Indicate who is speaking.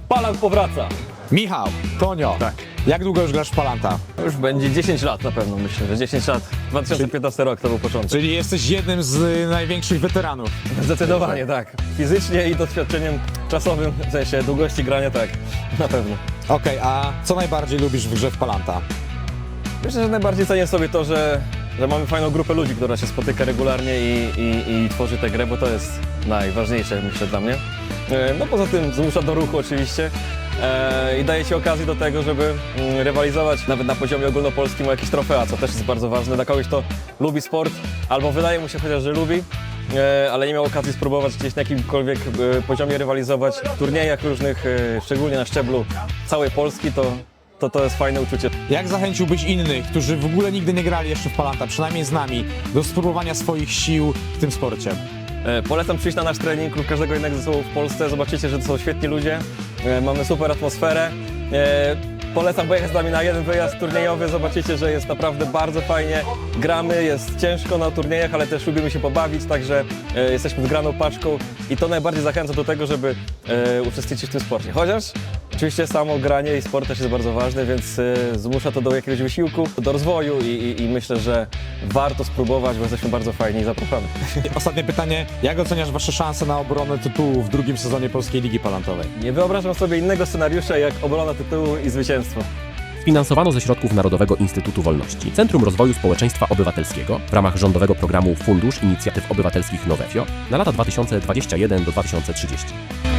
Speaker 1: Palant powraca.
Speaker 2: Michał, Tonio,
Speaker 1: Tak.
Speaker 2: jak długo już grasz w Palanta?
Speaker 1: Już będzie 10 lat na pewno, myślę, że 10 lat. 2015 rok to był początek.
Speaker 2: Czyli jesteś jednym z największych weteranów.
Speaker 1: Zdecydowanie tak. Fizycznie i doświadczeniem czasowym, w sensie długości grania, tak, na pewno.
Speaker 2: Okej, a co najbardziej lubisz w grze w Palanta?
Speaker 1: Myślę, że najbardziej cenię sobie to, że mamy fajną grupę ludzi, która się spotyka regularnie i tworzy tę grę, bo to jest najważniejsze, myślę, dla mnie. No poza tym zmusza do ruchu oczywiście i daje Ci okazję do tego, żeby rywalizować nawet na poziomie ogólnopolskim o jakieś trofea, co też jest bardzo ważne dla kogoś, kto lubi sport, albo wydaje mu się chociaż, że lubi, ale nie miał okazji spróbować gdzieś na jakimkolwiek poziomie rywalizować w turniejach różnych, szczególnie na szczeblu całej Polski, to jest fajne uczucie.
Speaker 2: Jak zachęciłbyś innych, którzy w ogóle nigdy nie grali jeszcze w Palanta, przynajmniej z nami, do spróbowania swoich sił w tym sporcie?
Speaker 1: Polecam przyjść na nasz trening lub każdego innego zespołu w Polsce. Zobaczycie, że to są świetni ludzie. Mamy super atmosferę. Polecam pojechać z nami na jeden wyjazd turniejowy. Zobaczycie, że jest naprawdę bardzo fajnie. Gramy, jest ciężko na turniejach, ale też lubimy się pobawić, także jesteśmy zgraną paczką i to najbardziej zachęca do tego, żeby uczestniczyć w tym sporcie. Chociaż oczywiście samo granie i sport też jest bardzo ważne, więc zmusza to do jakiegoś wysiłku, do rozwoju i myślę, że warto spróbować, bo jesteśmy bardzo fajni i zapraszamy.
Speaker 2: Ostatnie pytanie, jak oceniasz Wasze szanse na obronę tytułu w drugim sezonie Polskiej Ligi Palantowej?
Speaker 1: Nie wyobrażam sobie innego scenariusza jak obrona tytułu i zwycięstwo.
Speaker 3: Finansowano ze środków Narodowego Instytutu Wolności, Centrum Rozwoju Społeczeństwa Obywatelskiego w ramach rządowego programu Fundusz Inicjatyw Obywatelskich Nowefio na lata 2021 do 2030.